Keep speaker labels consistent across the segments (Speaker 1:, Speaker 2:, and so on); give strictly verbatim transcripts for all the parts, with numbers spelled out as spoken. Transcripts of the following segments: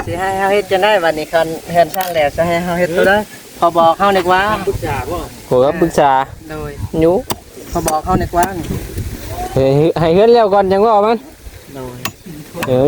Speaker 1: สิให้เฮาเฮ็ดจะได้บัดนี้คันเฮือนสร้างแล้วจะให้เฮาเฮ็ดตัวได้พอบอกเฮานึกว่าปรึกษาบ่
Speaker 2: โหก็ปรึกษา
Speaker 1: โดย
Speaker 2: อยู่
Speaker 1: พอบอกเฮานึกว่า
Speaker 2: เฮ้ยให้เฮือนแล้วก่อนจังว่ามัน
Speaker 1: โดย
Speaker 2: เออ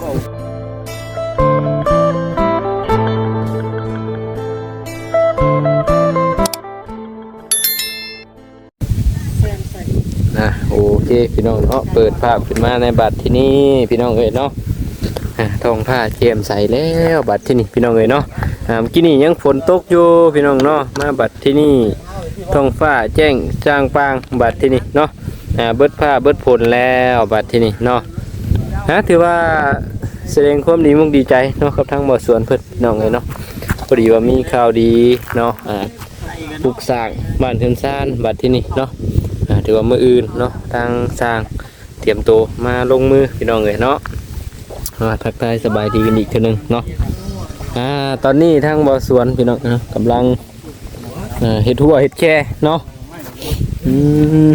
Speaker 2: นะโอเคพี่น้องเนาะเปิดภาพขึ้นมาในบัตรที่นี่พี่น้องเอ้ยเนาะทองผ้าเจียมใส่แล้วบัตรที่นี่พี่น้องเอ้ยเนาะเมื่อกี้นี่ยังฝนตกอยู่พี่น้องเนาะมาบัตรที่นี่ทองฟ้าแจ้งจางปางบัตรที่นี่เนาะเบิดผ้าเบิดผลแล้วบัตรที่นี่เนาะนะถือว่าแสดงความดีมุกดีใจเนาะกับทั้งหมดส่วนเพิ่นน้องเอ้ยเนาะพอดีว่ามีข่าวดีเนาะปลูกสร้างบ้านเทือนซ่านบัตรที่นี่เนาะถือว่ามืออื่นเนาะทางสร้างเตรียมตัวมาลงมือพี่น้องเลยเนาะทักทายสบายดีกันอีกทีนึงเนาะอ่าตอนนี้ทางบ่อสวนพี่น้องนะกำลังเฮ็ดหัวเฮ็ดแค่เนาะอืม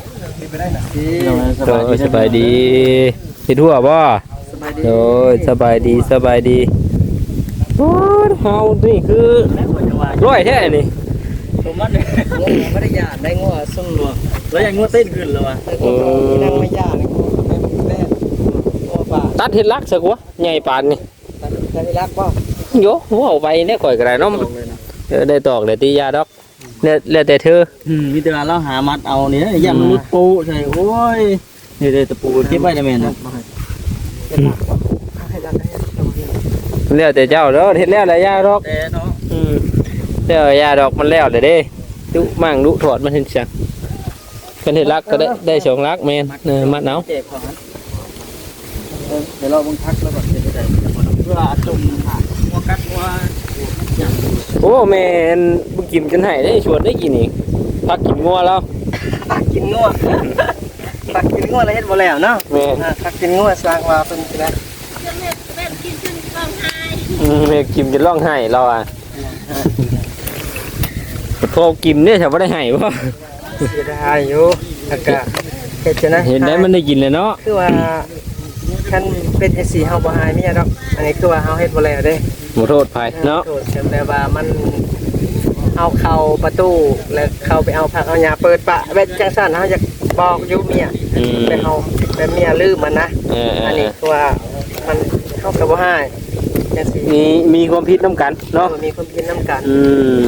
Speaker 2: สบายดีสบายดีเฮ็ดหัวบ่โอ้ยสบายดีสบายดีโอ้ยเฮานี่คือร้อยแท้นี่
Speaker 1: ผมว่าเนี่ยไม่ได้ยากได้งัวสุ่มหลวงแล้วยังงัวเต้นขึ้นเลยวะเออนั่งไม่ยากแม่งัวป่า
Speaker 2: ตัดเห็ดลักสักวะใหญ่ปานนี่
Speaker 1: ตัดเห็ดลักป่ะ
Speaker 2: โย่หัวเอาไปเนี่ยก่อยกระไรน้องได้ตอกได้ตียาดอกเนี่ยแล้วแต่เธอ
Speaker 1: อืมมีแต่เราหามัดเอาเนี่ยย่ำมุดปูใช่โอ้ยนี่เลยตะปูเก็บไว้ได้ไหมนะ
Speaker 2: แล้วแต่เจ้าแล้วเห็ดแล้วแต่ยาดอกอืมแล้วยาดอกมันแล้วเด้เด้ดุมั่งดุถอดมันเห็นจังกันเห็ดลักก็ได้ได้สองลักแมนเนอมัดเนาะ
Speaker 1: เดี๋ยวเราบังคับแล้วแบบเดี๋ยวจะเพื่อจุ่มหัวกัดหัว
Speaker 2: โอ้แมนบุกิมจนหายได้ชวนได้กินอีกพักกินงัวแล้ว
Speaker 1: พักกินงัวพักกินงัวอะไรเห็ดบ่แล้วเนาะ
Speaker 2: แม่
Speaker 1: พักกินงัวสร้างว่าเป็นไง
Speaker 2: แม่กินจนร้องไห้แม่กินจนร้องไห้เราอ่ะพอกินเนี่ยฉันไม่ได้ให้ป่ะ
Speaker 1: เสียดายอยู่อากาศเห็นนะ
Speaker 2: เห็นได้มันได้กินเลยเนาะ
Speaker 1: คือว่าท่านเป็นเอสีเฮาบ่หายไม่ใช่ดอกอันนี้คือว่าเฮาเฮ็ดบ่แล้วเด้
Speaker 2: ขอโทษภัยเนาะ
Speaker 1: โทษแต่ว่ามันเอาเข้าประตูแล้วเข้าไปเอาผักเอาหญ้าเปิดปะเว็ดจังซั่นเฮาอยากบอกอยู่เมียแต่เฮาแต่เมียลืมมันนะอันนี้คือว่ามันเฮาก็บ่หายจังซี่
Speaker 2: มีมีความผิดนํกันเนาะ
Speaker 1: มีความผิดนํกัน
Speaker 2: อืม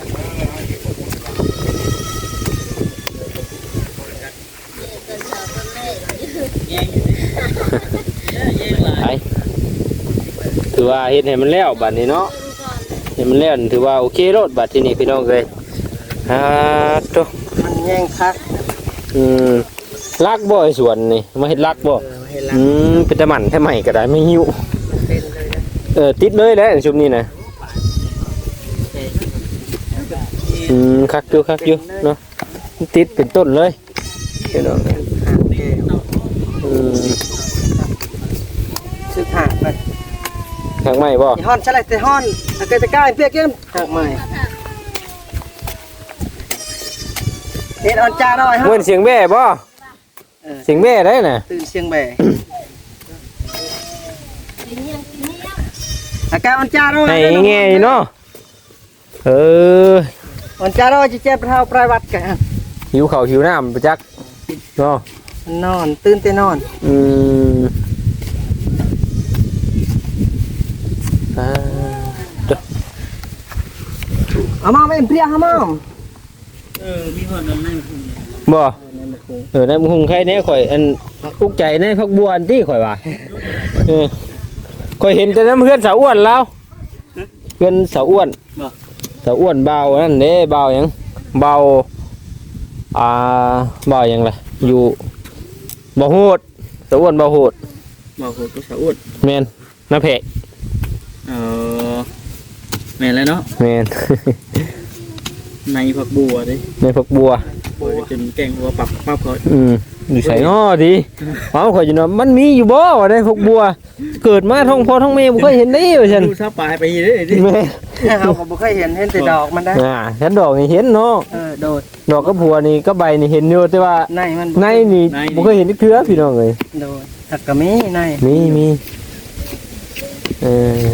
Speaker 2: ไปถือว่าเห็นให้มันแล้วบัดนี้เนาะเห็นมันแล้วถือว่าโอเครถบัดที่นี่พี่น้องเลยฮ่าโต
Speaker 1: มันแย่งคัก
Speaker 2: อืมลักบ่ไอ้สวนนี่มาเห็ดลักบ่อืมเป็นตะหมันแค่ใหม่ก็ได้ไม่หิวเออติดเลยแหละชุมนี้นะอืมคักอยู่คักอยู่เนาะติดเป็นต้นเลยพี่น้องอืม
Speaker 1: ซื้อหักไป
Speaker 2: หักใหม่บ่
Speaker 1: ฮ้อนใช่ไรแต่ฮ้อนอาการจะกล้าเปียกยังหักใหม่เฮ็ดอ่อนจ้าหน่อยฮะ
Speaker 2: เหมือนเสียงแบ่บ่เสียงแบ่ได้น่ะ
Speaker 1: ตื่นเสียงแบ่อาการอ่อนจ้าหน่อย
Speaker 2: ให้แง่เนาะเออ
Speaker 1: อ่อนจ้าหน่อยจะเจ็บเท้าปลายวัดกัน
Speaker 2: หิวข้าวหิวน้ำประจักเนาะ
Speaker 1: นอนตื่นแต่นอน
Speaker 2: อืม
Speaker 1: เอามาเป็นเพียฮะมั่งเออมีคนนั่นนั่ง
Speaker 2: บ่เออนั่นมึงใครเนี่ยข่อยอันอุกใจเนี่ยพักบัวอันที่ข่อยว่าเออข่อยเห็นแต่น้ำเพื่อนสาวอ้วนแล้วเพื่อนสาวอ้วนสาวอ้วนเบานั่นเด้เบายังเบาอ่าเบายังไงอยู่เบาโหดสาวอ้วนเบาโหด
Speaker 1: เบาโหดก็สาวอ้วน
Speaker 2: แมนน้าเพก
Speaker 1: เออแม่นแล้วเนาะ
Speaker 2: แม่น
Speaker 1: ในผักบัวดิ
Speaker 2: ในผักบัว
Speaker 1: บัวจนแกงบัวปับปับเขา
Speaker 2: อืมอยู่ใส่ง้อดิเอาข่อยอยู่เนาะมันมีอยู่บ่ว่าในผักบัวเกิดมาท้องพ่อท้องแม่บ่เคยเห็นได้ว่าซั่น
Speaker 1: ดูซะปลายไปเด้อดิแม่เฮาก็บ่เคยเห็นเห็นแต่ดอกมันได้
Speaker 2: อ่าเห็นดอกนี่เห็นเนาะ
Speaker 1: เออโดด
Speaker 2: ดอกกับบัวนี่กับใบนี่เห็นอยู่แต่ว่า
Speaker 1: ในมัน
Speaker 2: ในนี่บ่เคยเห็นเทื่อพี่น้องเอ้ย
Speaker 1: โดดถักก็มีใน
Speaker 2: มีมีเออ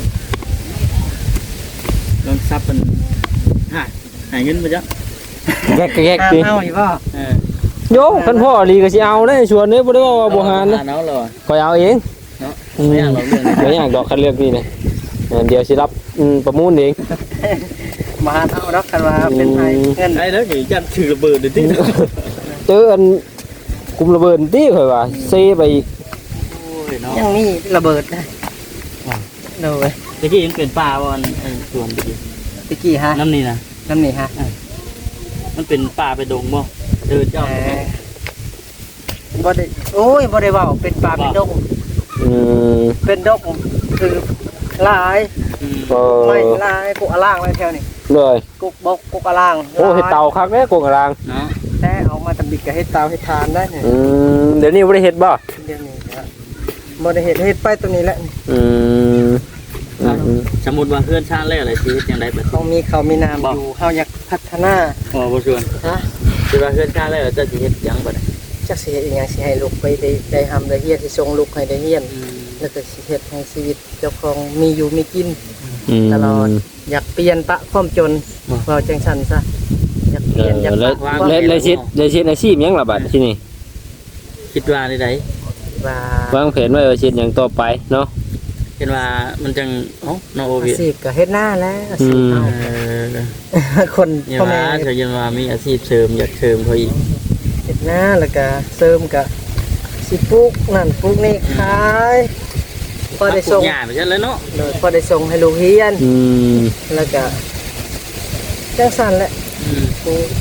Speaker 3: ลองซับมันหายหายเงินไปจ้ะ
Speaker 2: แกกแกก
Speaker 1: ห้าม
Speaker 2: ดิ
Speaker 1: เอาอีกบ่
Speaker 3: เออ
Speaker 2: โยคันพ่อลีก็สิเอาได้ชวนเด้บ่ได้ว่าบ่หานนะ
Speaker 3: เนาะเหรอ
Speaker 2: ก็เอาเอง
Speaker 3: เนาะไม่อยากเราเรื่อง
Speaker 2: ไม่อยากดอกคันเลือกนี่นะเออเดี๋ยวสิรับอืมประมูลเอง
Speaker 1: มาเอาดอกกันว่าเป็นไผเงิน
Speaker 3: ไอ้แล้วอย่างจันถือระเบิดเดี๋ยวที่
Speaker 2: เจออันกลุ่มระเบิดติข่อยว่าเซไปอีก
Speaker 3: โอ้ยเนาะ
Speaker 1: ยังมีระเบิดได้โดย
Speaker 3: ตะกี้ยังเป็นป่าวันไอ้สวนตะกี้
Speaker 1: ตะกี้ฮะ
Speaker 3: น้ำนี่นะ
Speaker 1: น้ำนี่ฮะ
Speaker 3: มันเป็นป่าไปดงบ่เดินเจ้า
Speaker 1: เอ่อบ่ได้โอ้ยบ่ได้เว้าเป็นป่าเป็นดง
Speaker 2: อืม
Speaker 1: เป็นดงคือหลาย
Speaker 3: อืม
Speaker 2: เออ
Speaker 1: ไม่ลายกุกอล่างไว้แถวนี้
Speaker 2: เลย
Speaker 1: กุกบกกุกอล่าง
Speaker 2: โอ้เฮ็ดเตาคักแน่โกงกลาง
Speaker 3: เนาะ
Speaker 1: แต่เอามาทำบิดกับเฮ็ดเตาเฮ็ดทานได้เนี่ย
Speaker 2: อืมเดี๋ยวนี้บ่ได้เฮ็ดบ่
Speaker 1: เดี๋ยวนี้ครับบ่ได้เฮ็ดเฮ็ดไปตรงนี้แหละ
Speaker 2: อืมอืมอืม
Speaker 3: สมมุติว่าเพื่อนชาติแล้วอะไรชีวิตยังไงแบบ
Speaker 1: ต้องมีเขาวมีน้ำอยู่เฮาอยากพัฒนา
Speaker 3: อ๋อบ่ชวน
Speaker 1: ฮะ
Speaker 3: คือว่าเพื่อนชาติแล้วจะสิเฮ็ดหยังบ่ได้
Speaker 1: จักสิเฮ็ดอีหยังสิให้ลูกไปได้ได้ทำได้เฮียนสิส่งลูกให้ได้เฮียนแล้วก็สิเฮ็ดให้ชีวิตเจ้าของมีอยู่มีกิน
Speaker 2: อืม
Speaker 1: ตลอดอยากเปลี่ยนปะความจนเราจังซั่นซะอยากเป
Speaker 2: เอ
Speaker 1: ลี่ยน
Speaker 2: อ
Speaker 1: อยาก
Speaker 2: แล้ว
Speaker 1: ปะความ
Speaker 2: แล้วแล้วสิแล้วสิอาชีพหยังล่ะบัดที่นี่
Speaker 3: คิดว่าได้ได
Speaker 1: ว่าว
Speaker 2: างแผนไว้ว่าสิเฮ็ดหยังต่อไปเนาะ
Speaker 3: เห็นว่ามันจังเอ้าน้องโอ
Speaker 1: อา
Speaker 3: วิ
Speaker 1: ชีพก็เฮ็ดหน้าแล้วอาชีพ
Speaker 2: อืม
Speaker 1: เอา
Speaker 3: เออ
Speaker 1: คน
Speaker 3: อย่า
Speaker 1: พ่อ
Speaker 3: ว่า
Speaker 1: แม่
Speaker 3: เธอยังว่ามีอาชีพเสริมอยากเสริมเขาอีก
Speaker 1: เฮ็ดหน้าแล้วก็เสริมก็สิปลูกนั่นปลูกนี่ขายพอได้ส่ง
Speaker 3: หญ้าไปใช่แล้วเนาะ
Speaker 1: โดยพอได้ส่งให้ลูกเรียน
Speaker 2: อืม
Speaker 1: แล้วก็จังซั่นแหละ
Speaker 3: อืม
Speaker 1: ปลูก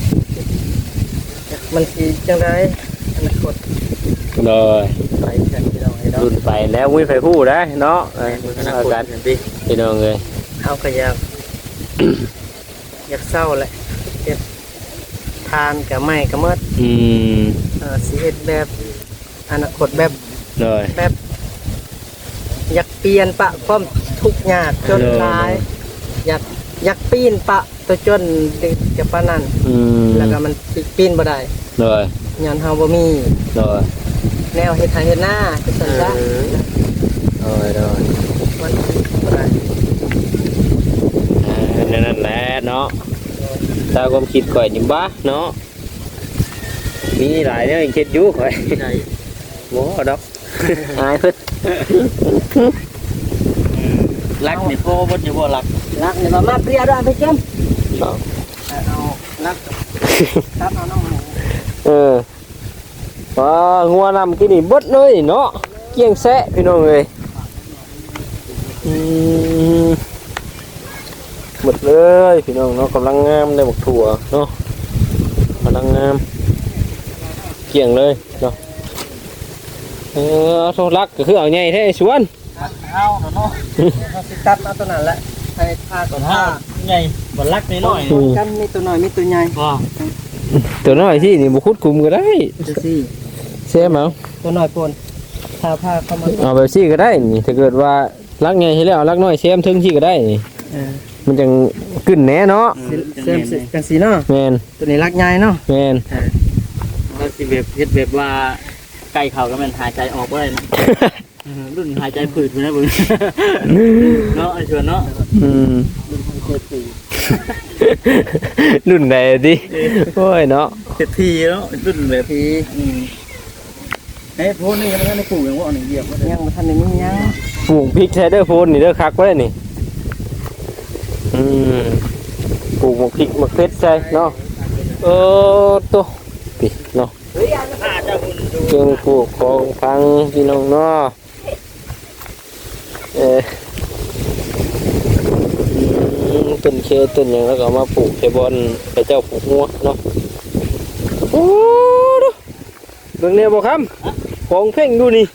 Speaker 1: มันสิจังไดอนาคต
Speaker 2: เลย
Speaker 1: ไปกันพี่น้องให้ดอก
Speaker 2: รุ่นไปแล้วมุ้ยไฟผู้ได้เนาะเออ
Speaker 3: อนา
Speaker 2: เอา
Speaker 3: คต
Speaker 2: กัน
Speaker 3: เห็นดิ
Speaker 2: พี่น้องเลย
Speaker 1: เอาก็อยาก อยากเศร้าแหละเฮ็ดทานก็ไม่ก็หมด
Speaker 2: อืม
Speaker 1: เอ่อสิเฮ็ดแบบอนาคตแบบ
Speaker 2: เลย
Speaker 1: แบบ อยากเปลี่ยนปะความทุกข์ยากจนหลาย อยากอยากปีนปะตัวจนดึกจะปานนั้น
Speaker 2: อืม
Speaker 1: แล้วก็มันปีนบ่ได้
Speaker 2: เลย
Speaker 1: ย้อนเฮาบ่มี
Speaker 2: เลย
Speaker 1: แนวเฮ็ดไร่เฮ็ดนาคือซั่นซะ
Speaker 2: เลยเลย
Speaker 1: มันบ่ได้
Speaker 2: อ่านั่นนั่นแหละเนาะตามความคิดข่อยนี่บ้าเนาะมีหลายเนี่ยคิดอยู่ข่อย
Speaker 3: ใช่
Speaker 2: โว้ดอก อายเพิ่น
Speaker 3: รักนี่พ่อบ่อยู่บ่รัก
Speaker 1: รักนี่มามาเปรียด้วยไปเจ้ม
Speaker 2: เอา
Speaker 1: เอารักครับเอาน้องหมู
Speaker 2: เออว้างัวนำกินนี่เบดเลยเนาะเกี้ยงแซะพี่น้องเอ้ยอืมหมดเลยพี่น้องเนาะกำลังงามได้บักถั่วเนาะกำลังงามเกี่ยงเลยเนาะเออโทษรักก็คือเอาใหญ่แท้ไอ้สวน
Speaker 3: เอาเนาะ
Speaker 1: เอาสิตัดเอาตัวนั้นแหละให้ทาก่อน
Speaker 3: ถ้า
Speaker 1: ทา
Speaker 3: ใหญ่บ่รักน้อย
Speaker 2: อืม
Speaker 1: กันมีตัวน้อยมีตัวใหญ่
Speaker 3: ๆบ่
Speaker 2: ตัวน้อยที่นี่บุคุดคุมก็ได้
Speaker 1: จะสิ
Speaker 2: เสียมั้ง
Speaker 1: ตัวน้อยปนทาผ้าเข้ามา
Speaker 2: เอาแบบซี่ก็ได้นี่ถ้าเกิดว่ารักใหญ่ให้แล้วเอารักน้อยเสียมถึงที่ก็ได้นี่
Speaker 1: เออ
Speaker 2: มันจังขึ้นแหน่เนาะ
Speaker 1: สิเซมสิกันสีเนาะ
Speaker 2: แมน
Speaker 1: ตัวนี้รักใหญ่เนาะ
Speaker 2: แมน
Speaker 3: เราสิแบบเฮ็ดแบบว่าไก่เขาก็แม่นหายใจออกบ่ได้นะเออรุ่นหายใจผืดอยู่นะเบิ่งเนาะไอ้ชวนเนาะ
Speaker 2: อืมรุ่นใดดิโอ้ยเนาะ
Speaker 3: เฮ็ดทีเนาะรุ่นแบบ
Speaker 1: ที
Speaker 3: อืมเอ้ยโพนนี่ยังไม่ได้ปลูกยังว่าอันนี้เหยียบบ่ได้
Speaker 1: ยังบ่ทันได้มีหยัง
Speaker 2: ปลูกพริกแทเดอร์โฟนนี่เด้อคักไว้นี่อืมปลูกหมกพริกหมกเพชรใช่เนาะเออตัวปิเนาะ
Speaker 3: ถ้าจะหุ่นดู
Speaker 2: เครื่องปลูกของพังพี่น้องเนาะเอออืมต้นเคต้นหยังแล้วก็เอามาปลูกใส่บอนไปเจ้าปลูกหัวเนาะโอ้ดูเบิ่งเนี่ยบ่ครับของเพ่งดูนี่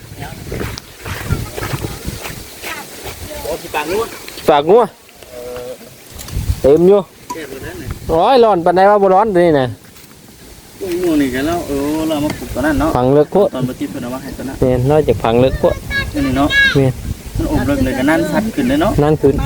Speaker 3: โอ้สิปากนู้น
Speaker 2: ฝากงัวเต็มอยู่
Speaker 3: แค่บ่นั้นน่ะ
Speaker 2: ร้อยร้อนปานใดว่าบ่ร้อนเดี๋ยวนี่น่ะ
Speaker 3: งูนี่กันแล้วเออเรามาปลูกตอนนั้นเนาะ
Speaker 2: ฝังเลิกโคตร
Speaker 3: ตอนบ่ติดเพิ่นเอามาให้ตอนนั้น
Speaker 2: แม่นน้อยจากฝังเลิกโคตร
Speaker 3: นี่เนาะ
Speaker 2: แม่น
Speaker 3: มันอบเลิกเลยกันนั่นชัดขึ้นเลยเนาะ
Speaker 2: นั่นคือ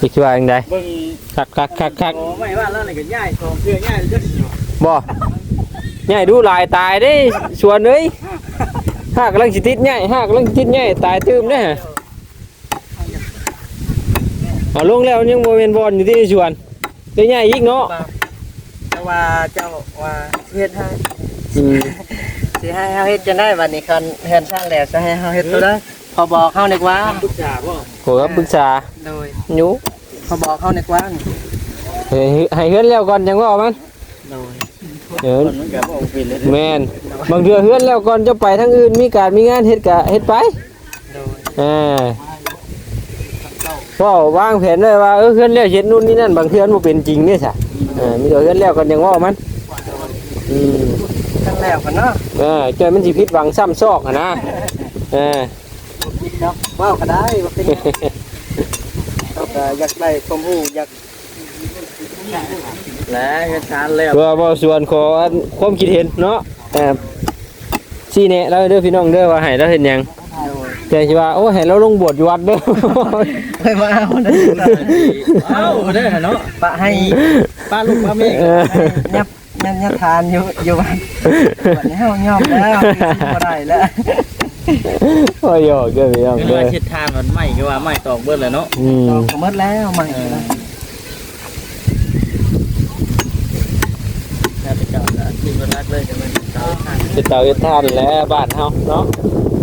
Speaker 2: อีกว่าจังได
Speaker 3: เบิ่ง
Speaker 2: คักคักคักคัก
Speaker 3: โอ้ไม่ว่าแล้วนี่ก็ย้ายของเพื่อย้ายจักสิ
Speaker 2: บ่ใหญ่ดูหลายตายเด้ชวนเอ้ยหากกำลังสิติดใหญ่หากกำลังสิติดใหญ่ตายตื้มเด้อเอาลงแล้วยังบ่แม่นบอลอยู่ที่ชวนได้ใหญ่อีกเนาะ
Speaker 1: แต่ว่าเจ้าว่าเฮ็ดให้
Speaker 2: อืม
Speaker 1: สิให้เฮาเฮ็ดจะได้บัดนี้คันเฮือนสร้างแล้วจะให้เฮาเฮ็ดตัวได้พอบอกเฮานึกว่า
Speaker 3: ปรึกษาบ่
Speaker 2: ขอรับปรึกษา
Speaker 1: โดย
Speaker 2: หนู
Speaker 1: พอบอกเฮานึกว่า
Speaker 2: ให้ให้เฮือนแล้วก่อนจังว่ามัน
Speaker 1: โดย
Speaker 2: เออ
Speaker 3: มันก็บ่เป็นเลย
Speaker 2: แม่นบางเทื่อเฮือนแล้วก่อนจะไปทางอื่นมีการมีงานเฮ็ดก็เฮ็ดไป
Speaker 1: โดย
Speaker 2: อ่าก็วางแผนไว้ว่าเออเฮือนแล้วเฮ็ดนู่นนี่นั่นบางเทื่อมันบ่เป็นจริงเด้ซะเออมีแต่เฮือนแล้วก่อนจังว่ามันอืม
Speaker 1: ทั้งแล้วกันเนาะ
Speaker 2: เออใจมันสิผิดหวังซ้ำซอกอะนะเออ
Speaker 1: เนาะว้าวก็ได้ว่าเป็นเราก็อยากได้ความรู้อยาก
Speaker 3: แล้วเฮ็ดชานแล้ว
Speaker 2: เพื่อบ่ส่วนขอความคิดเห็นเนาะเออชี้แนะเราเด้อพี่น้องเด้อว่าให้เราเฮ็ดหยังแต่สิว่าโอ้ให้เราลงบวชอยู่วัดเด้อ
Speaker 1: ไปมาเอาเด้อ
Speaker 3: เอ้าเด้อเนาะ
Speaker 1: ปะให้
Speaker 3: ป้าลูกป้าแม่
Speaker 2: เออ
Speaker 1: ยับยับยับทานอยู่อยู่บ้านวันนี้เฮายอมแล้วบ่ได้แล้ว
Speaker 2: โอ้ยอกเด้อพี่น้อง
Speaker 3: คือ
Speaker 2: เด้อ
Speaker 3: ว่าเฮ็ดทานมันไหม้คือว่าไหม้ตอกเบิดแล้วเนาะ
Speaker 2: อืม
Speaker 1: ดอกก็หมดแล้วใหม่แล้ว
Speaker 3: แล้วแต่เจ้าก็ที่เพิ่นรักเลยจะเป็นเจ้าทาน
Speaker 2: เฮ็ดเตาเฮ็ดทานแหล้วบ้านเฮาเนาะ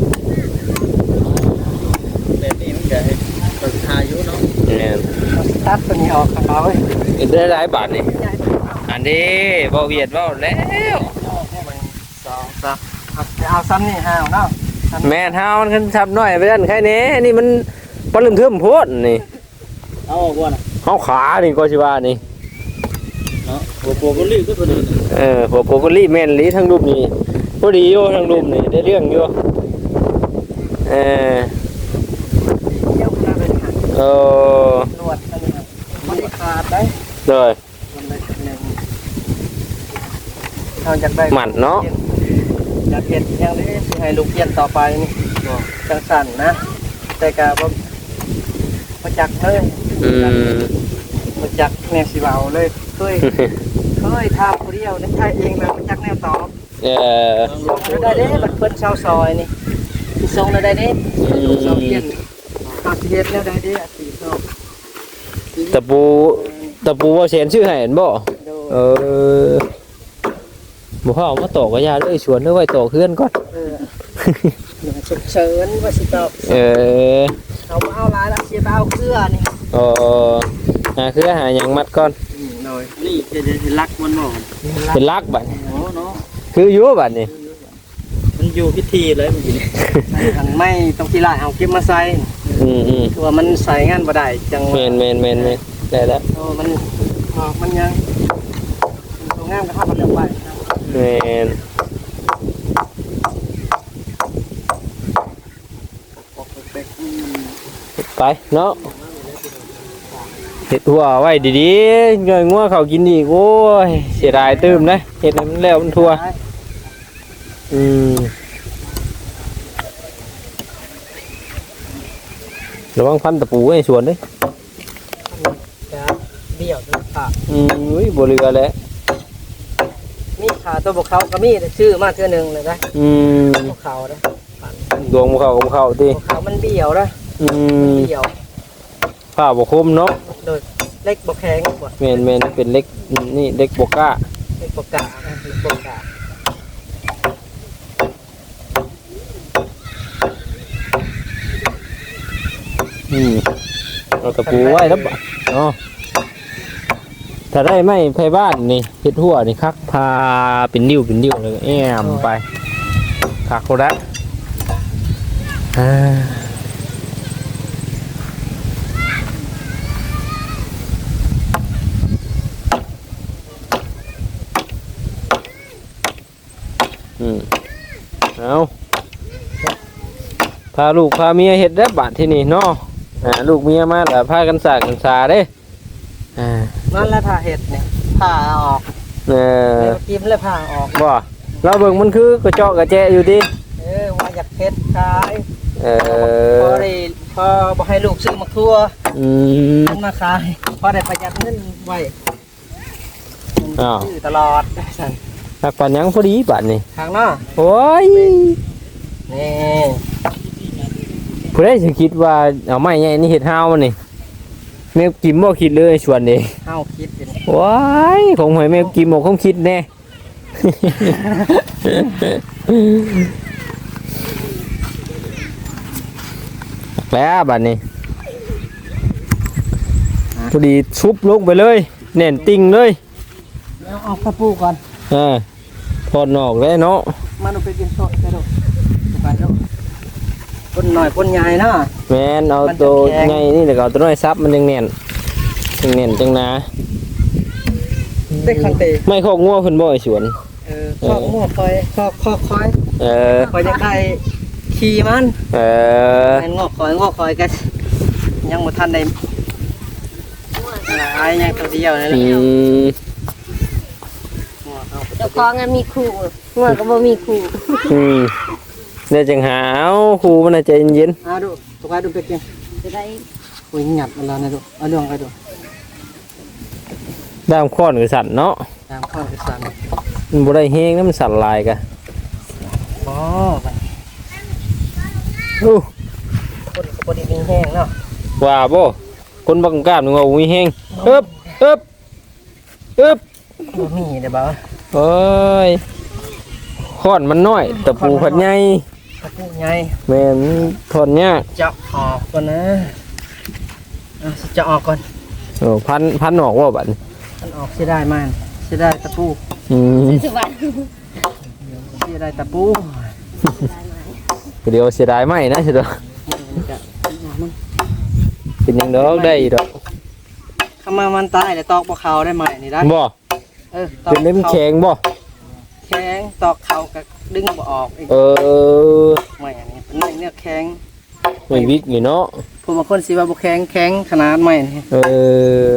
Speaker 3: แบบนี้มันก็เฮ็ดเปิดทาอยู่เนาะ
Speaker 2: แม่น
Speaker 1: ตัดตัวนี้ออกข้างนอกเว้ย
Speaker 2: เฮ็ดได้หลายบาทนี่อันนี้บ่เวียดเว้าแล้ว
Speaker 1: สองสามเอาเอาซ้ำนี่ห้าวเนาะ
Speaker 2: แม่นเฮามันขึ้นทับน้อยไปนั่นใครแหน่นี่มันปลึมเทิมโพดนี่
Speaker 3: เอาออกบ่น่ะ
Speaker 2: เฮาขานี่ก็สิว่านี่
Speaker 3: เนาะโอ้โหก็รีบก็เพิ่นนี่
Speaker 2: เออหัวโกโกลี่แม่นลีทั้งรูปนี่พอดีอยู่ทั้งรูปนี่ได้เรื่องอยู่เออ
Speaker 1: เยี่ยมนะเป็นหัก
Speaker 2: เออ
Speaker 1: ลวดอันนี้ครับไม่ได้ขาดได้
Speaker 2: เลย
Speaker 1: มันเลยหนึ่งเราอยากได้
Speaker 2: หมันเนาะ
Speaker 1: อยากเปลี่ยนอย่างนี้สิให้ลูกเปลี่ยนต่อไปนี่จังสั่นนะ แต่กะบ่บ่จักเลย
Speaker 2: อืม
Speaker 1: บ่จักแนวสิเว้าเลยเคยเคยทำผู้เดียวนั่นใช่เองแล้วบ่จักแนวตอบ
Speaker 2: เออ
Speaker 1: ส่งได้เด้บัดเพิ่นชาวซอยนี่สิส่งได้เด้ลูกสาวเปลี่ยนอาสิเฮ็ดแล้วได้เด้อาสิเนาะ
Speaker 2: ตะปูตะปูว่าเชนชื่อให้เห็นบ่เออบ่พ่อเอามาตอกกระยาเลยชวนเด้อไว้ตอกเพื่อนก่อน
Speaker 1: เออฉุกเฉินว่าสิตอบ
Speaker 2: เออ
Speaker 1: เอาบ่เอาหลายละสิเอาเกลือนี่
Speaker 2: เออหาคือหาหยังมัดก่อน
Speaker 1: อืมโดย
Speaker 3: นี่จะจะรักมันบ่
Speaker 2: เป็นลักบัด
Speaker 3: โอ้เนาะ
Speaker 2: คืออยู่บัดนี่
Speaker 3: มันอยู่พิธีเลยเมื่อกี้นี่
Speaker 1: อันไม่ต้องสิลายเอาเก็บมาใส่
Speaker 2: อืมอืม
Speaker 1: คือว่ามันใส่งานบ่ได้จัง
Speaker 2: แม่นแม่นแม่นแม่นได้แล้ว
Speaker 1: โอ้มันออกมันยังมันตัวงามก็ทับมันเรียบไปนะ
Speaker 2: แม่น
Speaker 1: ปกติอืม
Speaker 2: ไปเนาะเห็ดหัวไว้ดีๆเงยงัวเขากินอีกโอ้ยเสียดายตื้มนะเห็ดให้มันแล้วมันทั่วอืมระวังพันตะปูให้สวนเด้วย
Speaker 1: จะเบี้ยวด้วยค่ะ
Speaker 2: อืมอุ้ยบ่เหลือแล้ว
Speaker 1: มีขาตัวบกเขาก็มีแต่ชื่อมาเทื่อหนึงเลยนะ
Speaker 2: อืม
Speaker 1: บกเขานะ
Speaker 2: ดวงบ่เข้าก็บ่เข้าติ
Speaker 1: บกเขามันเบี้ยวนะ
Speaker 2: อืม
Speaker 1: เบี้ยว
Speaker 2: ผ้าบ่คมเนาะ
Speaker 1: โดยเล็กบกแข็งกว่า
Speaker 2: แม่นแม่นเป็นเล็กนี่เล็กบ่กล้า
Speaker 1: เล็กบกกานะเล็กบกกา
Speaker 2: อืมเอาตะปูไว้แล้วบ่เนาะถ้าได้ไม้ไผบ้านนี่เฮ็ดหัวนี่คักพาเป็นนิ้วเป็นนิ้วเลยแอมไปคักโคตรละอ่าอืมเอาพาลูกพาเมียเฮ็ดได้บาดที่นี่เนาะอ่าลูกเมียมาแล้วพากันสากกันสาเด้อ่า
Speaker 1: นั่นแหละผ่าเห็ดเนี่ยผ่าออก
Speaker 2: เออ
Speaker 1: เมื่อกี้มันเลยผ่าออก
Speaker 2: บ่เราเบิ่งมันคือกระเจาะกระแจอยู่ดิ
Speaker 1: เออว่าอยากเฮ็ดขาย
Speaker 2: เอ
Speaker 1: พอ
Speaker 2: อ
Speaker 1: ได้พอบ่ให้ลูกซื้อมาทั่ว
Speaker 2: อืม
Speaker 1: มันมาขายพอได้ประหยัดเงินไว้
Speaker 2: อ้าว
Speaker 1: ซื้อตลอดสั่น
Speaker 2: หักปานหยังพอดีบาดนี่
Speaker 1: ทางเนาะ
Speaker 2: โอ้ย
Speaker 1: นี่
Speaker 2: ผู้ใดสิคิดว่าเอาไม้ใหญ่นี่เฮ็ดฮาวมันนี่แม่กิมบ่คิดเลยชวนนี่
Speaker 1: เฮาคิดเป็น
Speaker 2: ว้ายของหอยแม่กิมบ่คงคิดแน่ แล้วบัดนี้พอดีชุบลงไปเลยแน่นติ่งเลย
Speaker 1: เอาออกกระปูก่อน
Speaker 2: อ่าถอดนอกแล้วเนาะ
Speaker 1: มันเอาไปกินสดไปดูไปดูคนหน่อยคนใหญ่เนาะ
Speaker 2: แม่นเอาตัวใหญ่นี่แล้วก็เอาตัวน้อยซับมันยังแน่นยังแน่นจังนะ
Speaker 1: ได้คันเตะ
Speaker 2: ไม่ข้องัวเพิ่นบ่ไอ้สวน
Speaker 1: เออข้อมั่วคอยข้อข้อคอย
Speaker 2: เออ
Speaker 1: คอยจะได้ขี่มัน
Speaker 2: เออ
Speaker 1: แม่นงอกคอยงอกคอยกันยังบ่ทันได้ไอ้ยังตัวเดียวนั่นแห
Speaker 2: อื
Speaker 1: ละ
Speaker 2: ม
Speaker 4: เจ้าของอะมีครูงัวก็บ่มีครู
Speaker 2: อืมเดี๋ยวจังหาเอาครูมันน่ะใจเย็น
Speaker 1: เอาดูตัวไปดูไปกิน
Speaker 4: จะได้
Speaker 1: โอ้ยหยัดมันแล้วนะดูเอาเรื่องไปดู
Speaker 2: ๆด้ามค้อนก็สั่นเนาะ
Speaker 1: ตามข้าวกระสัน
Speaker 2: มันบ่ได้แฮงนะมันสั่นลายกะ
Speaker 1: อ๋อไป
Speaker 2: อู้
Speaker 1: คนก็บ่ได้มีแห้งเนาะ
Speaker 2: ว่าบ่คนบังกล้ามนึกว่ามีแฮงอึบอึบอึบ
Speaker 1: บ่มีเด้อบ่าว
Speaker 2: โอ้ยค้อนมันน้อยตะปูพัดใหญ่
Speaker 1: กระปุกใหญ่
Speaker 2: แม่นถอนยาก
Speaker 1: จะออกก่อนนะอ่ะจะออกก่อน
Speaker 2: โอ้พันพันออกว่าบัดนี้
Speaker 1: มันออกสิได้มันสิได้ตะปู
Speaker 2: อืม
Speaker 4: สุวรรณ
Speaker 1: สิได้ตะปู
Speaker 2: เดี๋ยวเสียดายไหมนะสิเด้อเป็นหยังดอกได้ดอก
Speaker 1: เข้ามามันตายแล้วตอกบ่เขาได้ไหมนี่ได้
Speaker 2: บ่
Speaker 1: เออตอก
Speaker 2: เป็นเล่มแข็งบ่
Speaker 1: แข็งตอกเขาก็ดึงบ่ออกอีก
Speaker 2: เออ
Speaker 1: ไม่อันนี้เป็นไม้เนื้อแข็ง
Speaker 2: ไม่วิกนี่เนาะ
Speaker 1: ผู้บางคนสิว่าบ่แข็งแข็งขนาดไม้นี่
Speaker 2: เออ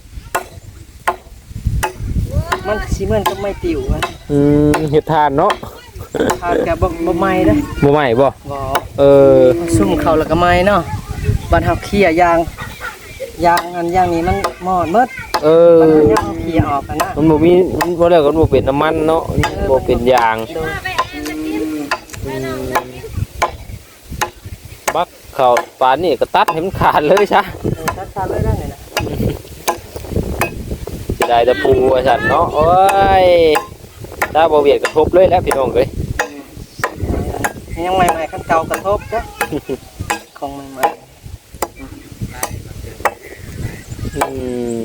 Speaker 1: มันสิเหมือนกับไม้ติ๋วอะ
Speaker 2: อืมเฮ็ดทานเนาะ
Speaker 1: ขาดกับบ่บ่ไม้เด้อ
Speaker 2: บ่ใหม่บ่
Speaker 1: บ่
Speaker 2: เออ
Speaker 1: ซุ่มเขาแล้วก็ไม้เนาะบ้านเฮาเคี่ยยางยางอันยางนี้มันมอดหมด
Speaker 2: เออ
Speaker 1: บ้านเฮายางเคี่ยออกกันนะ
Speaker 2: มันบ่มีมันบ่ได้ก็บ่เป็นน้ำมันเนาะบ่เป็นยาง
Speaker 1: โดย
Speaker 2: บักเข้าปานนี่ก็ตัดให้มันขาดเลยซะ
Speaker 1: เออตัดขาดเลยได้เลยนะ
Speaker 2: สิได้แตะปูว่าซั่นเนาะโอ้ยถ้าบ่เวียดกระทบเลยแล้วพี่น้องเอ้ย
Speaker 1: ยังใหม่ๆคันเก่ากระทบจ้ะของใหม่
Speaker 2: อืม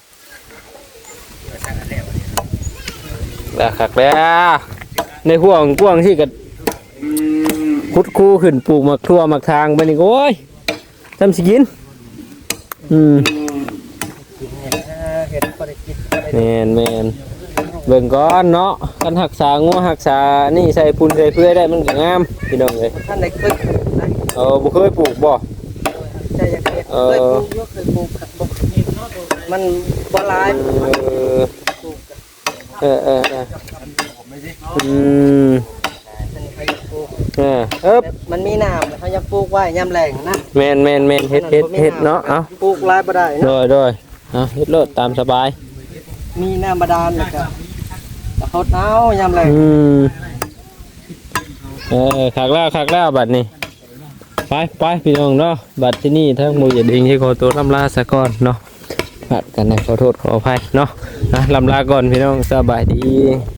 Speaker 2: แล้วคักแล้วในห่วงกว้างที่ก็คุดคู่ขึ้นปลูกหมักทั่วหมักทางไปนี่โอ้ยทำสิกินอืม
Speaker 1: ๆกินเนี่ยนะเห็ดพอได้กินพอได้
Speaker 2: แมนแมนเบิ่งก่อนเนาะกันหักษางัวหักษานี่ใส่ปุ่นใส่เพื่อได้มันก็งามพี่น้องเลย
Speaker 1: ท่านได้เคยได้
Speaker 2: เออบ่เคยปลูกบ่
Speaker 1: ใจอยากเห็ดเคยปลูกอยกเคยปลูกขัดบกมันบ่หลาย
Speaker 2: เออ
Speaker 1: ปลูกกัน
Speaker 2: เออเออเอออืม
Speaker 1: อันนี้เขาอยากปลูก
Speaker 2: เออเอ๊บ
Speaker 1: แบบมันมีน้ำแล้วเขาอยากปลูกไว้ยามแล้งนะ
Speaker 2: แมนแมนแมนเฮ็ดเฮ็ดเฮ็ดเนาะเอ้า
Speaker 1: ปลูกหลายบ่ได้
Speaker 2: โด
Speaker 1: เนาะ
Speaker 2: ยโดยเอาเฮ็ดโลดตามสบาย
Speaker 1: มีน้ำบาดาลแล้วก็แต่เขาเอายามแล้ง
Speaker 2: อืมเออคักแล้วคักแล้วบัดนี้ไปไปพี่น้องเนาะบัดที่นี่ทั้งหมู่อย่าดิ้งที่ขอตัวลำลาซะก่อนเนาะผัดกันนะขอโทษขออภัยเนาะนะลำลาก่อนพี่น้องสบายดี